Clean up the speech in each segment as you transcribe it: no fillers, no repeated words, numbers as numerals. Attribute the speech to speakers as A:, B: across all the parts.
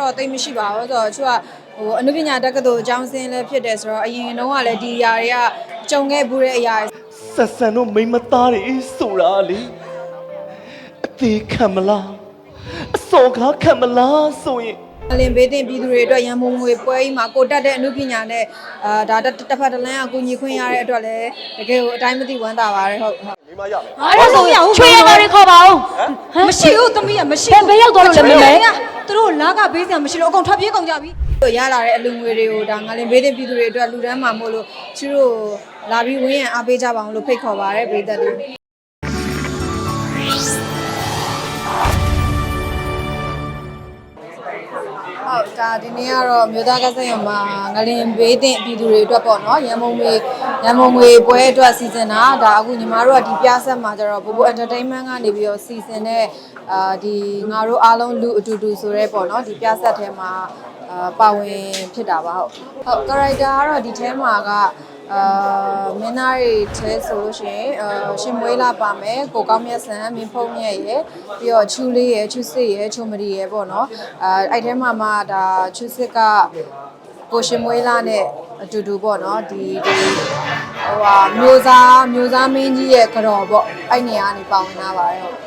A: တော့တိတ်မရှိပါဘူးဆိုတော့သူကအနုပညာတက္ကသိုလ်အကြောင်းစင်းလည်းဖြစ်တယ်ဆိုတော့အရင်တော့ကလည်းဒီအရာတွေကကြုံခဲ့ဘူးတဲ့အရာ
B: ဆက်ဆံတို့မိမသားတွေဆိုတာလေအသေးခံမလားအစော်ကားခံမလားဆိုရင်
A: အလင်ဘေးတင်ပြည်သူတွေအတွက်ရန်ပုံငွေပွဲကြီးမှာကိုတက်တဲ့အမှုပညာနဲ့ဒါတစ်ဖက်တစ်လမ်းအကူညီခွင့်ရတဲ့အတွက်လည်းတကယ်ကိုအတိုင်းမသိဝမ်းသာပါတယ်ဟုတ်
B: မိမရမယ်
C: အဲ့ဒါဆိုချွေရပါတွေခေါ်ပါဦး
D: မရှိဘူးသမီးကမရှိ
C: ဘူးဘယ်ရောက်သွားလို့လဲမမေ
D: သူတို့လာကပေးစရာမရှိလို့အကုန်ထွက်ပြေးကုန်ကြပြီ
A: ရလာတဲ့အလူငွေတွေကိုဒါငါလင်ဘေးတင်ပြည်သူတွေအတွက်လူတန်းမှာမို့လို့သူတို့လာပြီးဝင်းရံအားပေးကြပါအောင်လို့ဖိတ်ခေါ်ပါရတဲ့ပြည်သက်တွေဟုတ်ဒါဒီနေ့ကတော့မြို့သားကစားရုံမှာငလင်ဘေးတင်ပြည်သူတွေအတွက်ပေါ့နော်ရန်ပုံငွေပွဲအတွက်စီစဉ်တာဒါအခုညီမတို့ကဒီပြဆက်မှာကျတော့ဘိုး entertainment ကနေပြီးတော့စီစဉ်တဲ့ဒီငါတို့အားလုံးလူအတူတူဆိုရဲပေါ့နော်ဒီပြဆက်ထဲမှာပါဝင်ဖြစ်တာပါဟုတ် character ကတော့ဒီထဲမှာကမင်းသားတွေထဲဆိုလို့ရှိရင်ရှင်မွေးလာပါမယ်ကိုကောင်းမြတ်ဆန်မင်းဖုံးမြတ်ရယ်ပြီးတော့ချူလေးရယ်ချူစစ်ရယ်ချုံမရီရယ်ပေါ့နော်အဲ့ထဲမှာမှဒါချူစစ်ကကိုရှင်မွေးလာနဲ့အတူတူပေါ့နော်ဒီမျိုးသားမင်းကြီးရဲ့ကြော်ပေါ့အဲ့နေရာကနေပါဝင်လာပါတယ်ဟုတ်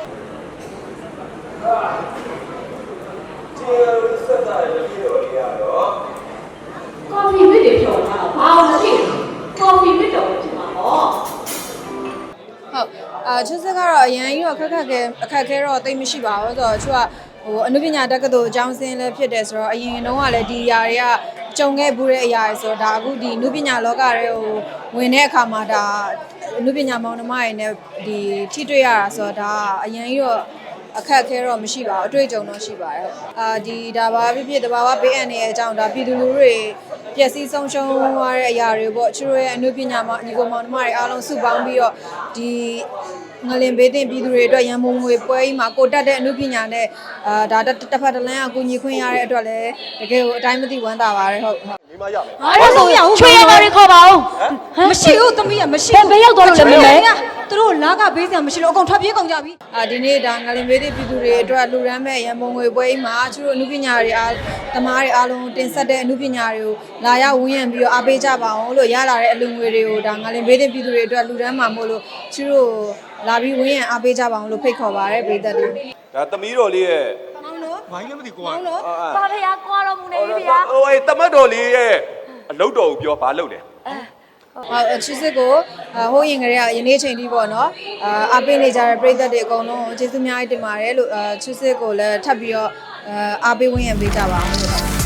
C: ကော်ဖီမစ်တွေဖြော်ထားတာဘာလို့မရှိလဲကော်ဖီမစ်တော့ဖြစ်မှာပေါ့
A: ဟုတ်ချစ်စစ်ကတော့အရင်ကြီးတော့အခက်ခဲတော့တိတ်မရှိပါဘူးဆိုတော့သူကအနုပညာတက္ကသိုလ်အကြောင်းစင်းလည်းဖြစ်တယ်ဆိုတော့အရင်တော့ကလည်းဒီအရာတွေကကြုံခဲ့ဘူးတဲ့အရာတွေဆိုတော့ဒါအခုဒီအနုပညာလောကတွေကိုဝင်တဲ့အခါမှာဒါအနုပညာမောင်နှမတွေနဲ့ဒီထိတွေ့ရတာဆိုတော့ဒါအရင်ကြီးတော့အခက်ခဲတော့မရှိပါဘူးအတွေ့အကြုံတော့ရှိပါတယ်ဒီဒါပါဖြစ်တဘာဝပေးအပ်နေတဲ့အကြောင်းဒါပြည်သူလူထုတွေပျက်စီးဆုံးရှုံးသွားတဲ့အရာတွေပေါ့သူတို့ရဲ့အနုပညာမှာညီကိုမောင်နှမတွေအားလုံးစုပေါင်းပြီးတော့ဒီငလင်ဘေးတင်ပြည်သူတွေအတွက်ရန်ပုံငွေပွဲကြီးမှာကိုတက်တဲ့အနုပညာနဲ့ဒါတစ်ဖက်တစ်လမ်းအကူညီခွင့်ရတဲ့အတွက်လည်းတကယ်ကိုအတိုင်းမသိဝမ်းသာပါတယ်ဟုတ်
B: မိမရမယ်
C: အဲ့ဒါဆိုချွေရပါတွေခေါ်ပါဦး
D: မရှိဘူးသမီးကမရှိ
C: ဘယ်ရောက်သွားလို့လဲမမေ
D: သူတို့လာကပေးစရာမရှိလို့အကုန်ထွက်ပြေးကုန်ကြပြီ
A: ဒီနေ့ဒါငလင်ဘေးတင်ပြည်သူတွေအတွက်လူရမ်းမဲ့ရန်ပုံငွေပွဲကြီးမှာသူတို့အနုပညာတွေသမားတွေအားလုံးတင်ဆက်တဲ့အနုပညာတွေကိုလာရောက်ဝန်းရံပြီးတော့အားပေးကြပါအောင်လို့ရလာတဲ့အလူငွေတွေကိုဒါငလင်ဘေးတင်ပြည်သူတွေအတွက်လူရမ်းမှာမို့လို့သူတို့လာပြီးဝင်းရံအားပေးကြပါအောင်လို့ဖိတ်ခေါ်ပါရတဲ့ပြည်သက်တွေ
B: ဒါသမီးတော်လေးရဲ့
D: မောင်တို့
B: ဘာကြီးလဲမသိကိုက
D: မောင်တို့
C: ပါဖေကွာတော်မူနေပြီဗျာ
B: ဟိုတမတ်တော်လေးရဲ့အလုပ်တော်ကိုပြောဘာလုပ်လဲ
A: ချစ်စစ်ကိုဟိုးရင်ကလေးကယနေ့ချိန်ထိပေါ့နော်အားပေးနေကြတဲ့ပြည်သက်တွေအကုန်လုံးကျေးဇူးအများကြီးတင်ပါတယ်လို့ချစ်စစ်ကိုလည်းထပ်ပြီးတော့အားပေးဝင်းရံပေးကြပါအောင်လို့